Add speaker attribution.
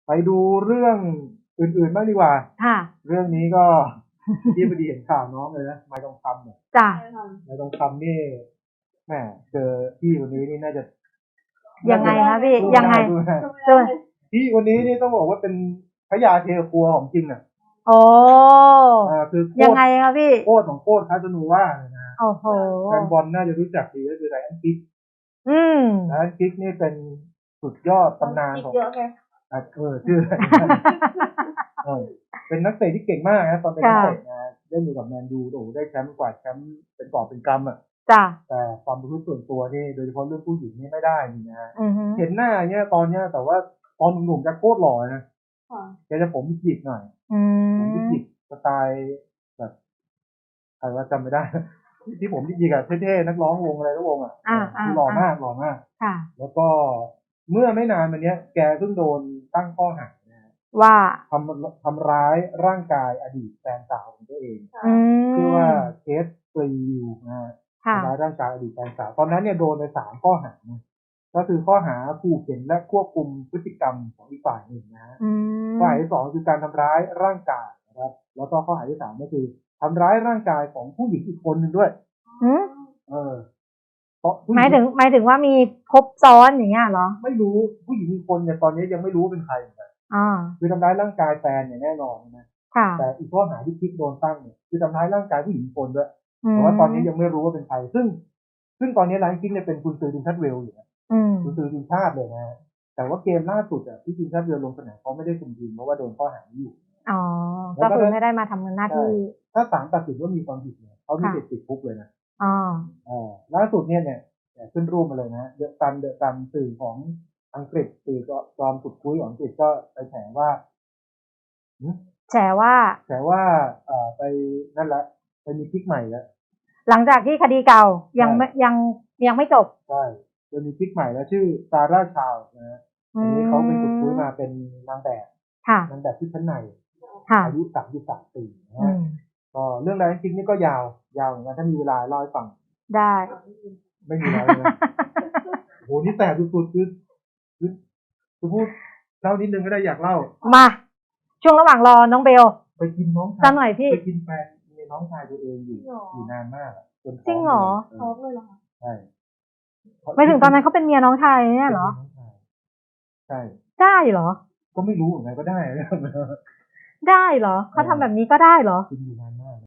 Speaker 1: ไปดูเรื่องอื่นๆบ้างดีกว่า
Speaker 2: ค่ะ
Speaker 1: เรื่องนี้ก็ ที่พอดีเห็นข่าวน้องเลยนะไม้ทองคำเนี่ย
Speaker 2: จ้ะ
Speaker 1: ไม้ทองคำนี่แหมเจอพี่คนนี้นี่น่าจะ
Speaker 2: ยังไงคะพี่ ยังไง
Speaker 1: สู้นะ
Speaker 2: ตัว
Speaker 1: พี่คนนี้นี่ต้องบอกว่าเป็นพระยาเทครัวของจริงอ่ะ
Speaker 2: โอ้
Speaker 1: คือโค
Speaker 2: ยัง
Speaker 1: ต
Speaker 2: ไง
Speaker 1: ร
Speaker 2: คะพี่
Speaker 1: โคตรของโคตรคาสโนว่าเลยนะ
Speaker 2: โอ้โห
Speaker 1: แฟนบอลน่าจะรู้จักดีก็คือไรอันกิก
Speaker 2: อืม
Speaker 1: ไรอันกิกนี่เป็นสุดยอดตำนานของ
Speaker 3: เยอะไง
Speaker 1: ชื่ออะไรนะเป็นนักเตะที่เก่งมากนะตอนเป็นนักเตะนะเล่นอยู่กับแมนยูโอ้โหได้แชมป์กว่าแชมป์เป็นกอบเป็นกำอ่ะ
Speaker 2: จ้ะ
Speaker 1: แต่ความประพฤติส่วนตัวนี่โดยเฉพาะเรื่องผู้หญิงนี่ไม่ได้นี่นะ
Speaker 2: อือฮึ
Speaker 1: เห็นหน้าเนี่ยตอนเนี้ยแต่ว่าตอนหนุ่มๆจะโคตรหล่อนะ
Speaker 3: ค่ะ
Speaker 1: แกจะผมหยิกหน่อย
Speaker 2: อื
Speaker 1: ผม
Speaker 2: ม
Speaker 1: หยิกสไตล์แบบใครว่าจำไม่ได้ ที่ผมหยิกอะเท่ๆนักร้องวงอะไรก็วงอะคือหล่อมากหล่อมาก
Speaker 2: ค่ะ
Speaker 1: แล้วก็เมื่อไม่นานมาเนี้ย แกเพิ่งโดนตั้งข้อหานะฮะ
Speaker 2: ว่า
Speaker 1: ทำร้ายร่างกายอดีตแฟนสาวของตัวเอง
Speaker 2: อืม
Speaker 1: ชื่อว่าเคสปรีวิวนะฮะ
Speaker 2: ค่ะ
Speaker 1: ทำร้ายร่างกายอดีตแฟนสาวตอนนั้นเนี่ยโดนไป3 ข้อหานะก็คือข้อหาขู่เข็นและควบคุมพฤติกรรมของอีกฝ่ายหนึ่งนะฮะ
Speaker 2: อืม
Speaker 1: ข้อหาที่ 2คือการทำร้ายร่างกายนะครับ แล้วก็ข้อหาที่ 3ก็คือทำร้ายร่างกายของผู้หญิงอีกคนหนึ่งด้วย
Speaker 2: อืม
Speaker 1: เพราะผู้
Speaker 2: หมายถึงว่ามีครบซ้อนอย่างเงี้ยเหรอ
Speaker 1: ไม่รู้ผู้หญิงอีกคนเนี่ยตอนนี้ยังไม่รู้ว่าเป็นใครเหมือนกัน
Speaker 2: อ่า
Speaker 1: คือทำร้ายร่างกายแฟนเนี่ยแน่นอนนะ
Speaker 2: ค่ะ
Speaker 1: แต่อีกข้อหาที่คิดโดนตั้งเนี่ยคือทำร้ายร่างกายผู้หญิงอีกคนด้วย
Speaker 2: อืม
Speaker 1: แต่ว่าตอนนี้ยังไม่รู้ว่าเป็นใครซึ่งตอนนี้ไลน์คิกเนี่ยเป็นกุนซือทีมชาติเวลส์อยู่นะ
Speaker 2: อืม
Speaker 1: กุนซือทีมชาติเลยนะแต่ว่าเกมล่าสุดอ่ะที่ทีมชาติเวลส์ลงสนามเขาไม่ได้คุมทีมเพราะว่าโดนข้อหานี้อยู่
Speaker 2: อ๋อ ก็คือไม่ได้มาทำหน้าที่
Speaker 1: ถ้าศาลตัดสินว่ามีความผิดเนี่ยเขามีสิทธิ์ติดคุกเลยนะ
Speaker 2: อ๋อ
Speaker 1: ล่าสุดเนี่ยขึ้นรูปมาเลยนะเดอะซันสื่อของอังกฤษสื่อจอมสุดคุยของอังกฤษก็ไปแฉว่า
Speaker 2: แฉว่า
Speaker 1: ไปนั่นแหละไปมีคลิกใหม่แล้ว
Speaker 2: หลังจากที่คดีเก่ายัง
Speaker 1: ใช่
Speaker 2: ไม่ยังไม่จบ
Speaker 1: ใช่จะมีคลิกใหม่แล้วชื่อซาร่าชาวนะฮะอันนี้เขาเป็นสุดคุยมาเป็นนางแบบ
Speaker 2: ค่ะ
Speaker 1: นางแบบที่ชั้นใน
Speaker 2: ค่ะ
Speaker 1: อายุ33 ปีนะ
Speaker 2: อื
Speaker 1: ฮะ
Speaker 2: ม
Speaker 1: ก็เรื่องราวจริงๆนี่ก็ยาวเหมือนกันถ้ามีเวลาเล่าให้ฟัง
Speaker 2: ได้
Speaker 1: ไม่มีแล้วนะ โหนี่แสบสุดๆคือพูดเล่านิดนึงก็ได้อยากเล่า
Speaker 2: มา ช่วงระหว่างรอน้องเบล
Speaker 1: ไปกินน้องชา
Speaker 2: สั
Speaker 1: ย
Speaker 2: กหน่อยพี่
Speaker 1: ไปกินแฟนในน้องชายตัวเองอยู่นานมากอะจน
Speaker 2: จริงเหรอ
Speaker 3: ท้องเลยเหรอคะ
Speaker 1: ใช่
Speaker 2: ไปถึงตอนนั้นเขาเป็นเมียน้องชายเนี่ยเหรอ
Speaker 1: ใช่
Speaker 2: ได้เหรอ
Speaker 1: ก็ไม่รู้เหมือนกันก็ได้
Speaker 2: ได้เหรอ เขาทำแบบนี้ก็ได้เหรอ
Speaker 1: กินอยู่นานมาก